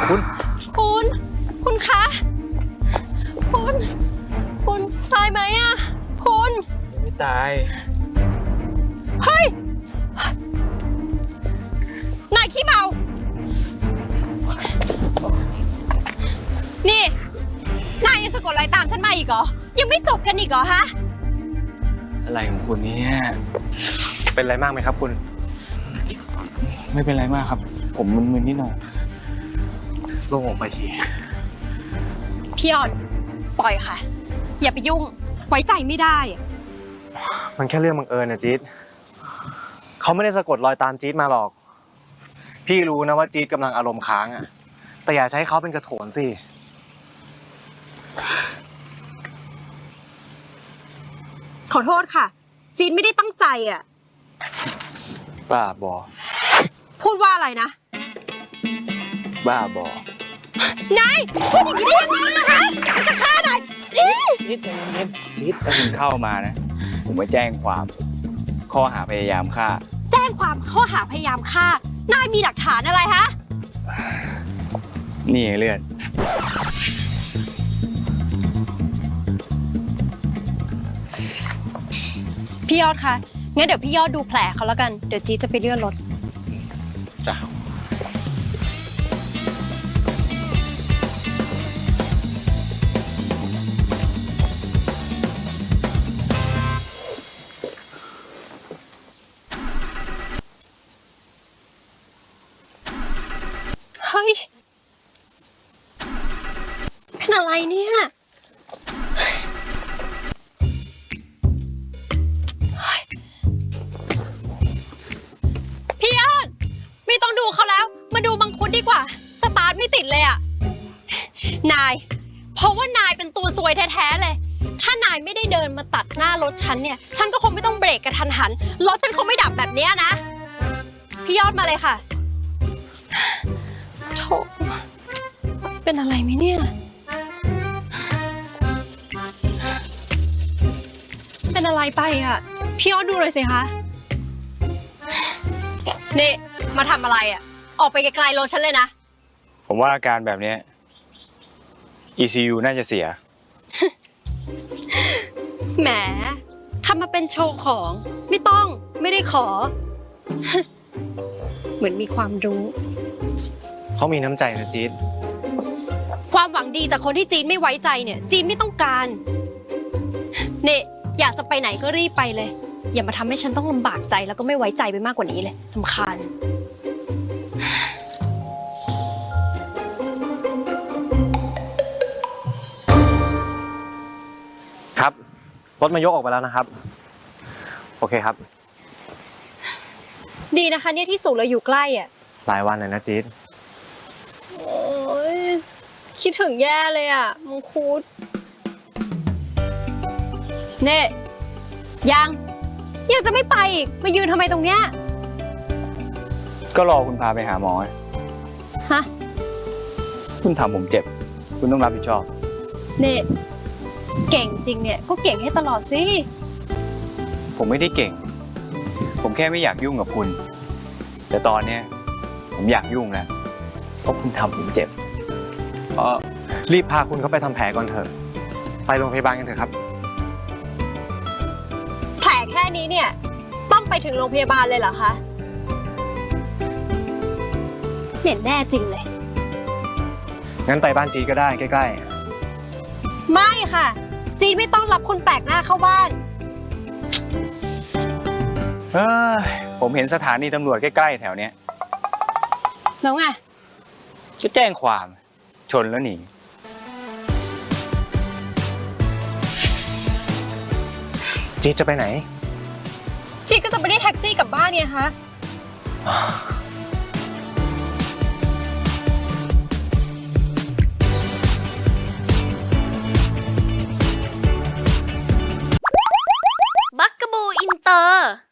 คุณคะคุณตายไหมอะคุณไม่ตายเฮ้ยนายขี้เมานี่นายยังสะกดรอยตามฉันมาอีกเหรอยังไม่จบกันอีกเหรอฮะอะไรของคุณเนี่ยเป็นอะไรมากไหมครับคุณไม่เป็นไรมากครับผมมึนๆนิดหน่อยโล่งออกไปทีพี่ออนปล่อยค่ะอย่าไปยุ่งไว้ใจไม่ได้มันแค่เรื่องบังเอิญนะจี๊ดเขาไม่ได้สะกดรอยตามจี๊ดมาหรอกพี่รู้นะว่าจี๊ดกำลังอารมณ์ค้างอ่ะแต่อย่าใช้เขาเป็นกระโถนสิขอโทษค่ะจีนไม่ได้ตั้งใจอ่ะบ้าบอพูดว่าอะไรนะบ้าบอนายพูดอย่างนี้ได้ยังไงคะมันจะฆ่านายจี๊ดใจเย็นจี๊ดถ้าคุณเข้ามานะผมไปแจ้งความข้อหาพยายามฆ่าแจ้งความข้อหาพยายามฆ่านายมีหลักฐานอะไรฮะนี่เลือดพี่ยอดคะงั้นเดี๋ยวพี่ยอดดูแผลเขาแล้วกันเดี๋ยวจี๊ดจะไปเลื่อนรถจ้ะเฮ้ยเป็นอะไรเนี่ยพี่ยอดไม่ต้องดูเขาแล้วมาดูมังคุดดีกว่าสตาร์ทไม่ติดเลยอ่ะนายเพราะว่านายเป็นตัวซวยแท้ๆเลยถ้านายไม่ได้เดินมาตัดหน้ารถฉันเนี่ยฉันก็คงไม่ต้องเบรกกระทันหันรถฉันคงไม่ดับแบบนี้นะพี่ยอดมาเลยค่ะโถเป็นอะไรไหมเนี่ยเป็นอะไรไปอ่ะพี่ยอดดูเลยสิคะนี่มาทำอะไรอ่ะออกไปไกลๆรถฉันเลยนะผมว่าอาการแบบนี้ ECU น่าจะเสียแหมทำมาเป็นโชว์ของไม่ได้ขอ เหมือนมีความรู้เขามีน้ำใจนะจี๊ดความหวังดีจากคนที่จีนไม่ไว้ใจเนี่ยจีนไม่ต้องการเนี่ยอยากจะไปไหนก็รีบไปเลยอย่ามาทำให้ฉันต้องลำบากใจแล้วก็ไม่ไว้ใจไปมากกว่านี้เลยรำคาญครับรถมายกออกไปแล้วนะครับโอเคครับดีนะคะเนี่ยที่สูงเราอยู่ใกล้อ่ะหลายวันเลยนะจี๊ดโอ้ยคิดถึงแย่เลยอ่ะมังคุดเน่ยังจะไม่ไปอีกมายืนทำไมตรงเนี้ยก็รอคุณพาไปหาหมอฮะคุณทำผมเจ็บคุณต้องรับผิดชอบเน่เก่งจริงเนี่ยก็เก่งให้ตลอดสิผมไม่ได้เก่งผมแค่ไม่อยากยุ่งกับคุณแต่ตอนนี้ผมอยากยุ่งแล้วเพราะคุณทำผมเจ็บรีบพาคุณเขาไปทำแผลก่อนเถอะไปโรงพยาบาลกันเถอะครับแผลแค่นี้เนี่ยต้องไปถึงโรงพยาบาลเลยเหรอคะเนี่ยแน่จริงเลยงั้นไปบ้านจี๊ดก็ได้ใกล้ๆไม่ค่ะจีนไม่ต้องรับคนแปลกหน้าเข้าบ้านผมเห็นสถานีตำรวจใกล้ๆแถวเนี้ยแล้วไงก็แจ้งความชนแล้วหนีจี๊ดจะไปไหนจีนก็จะไปได้แท็กซี่กลับบ้านไงคะบักกะบูอินเตอร์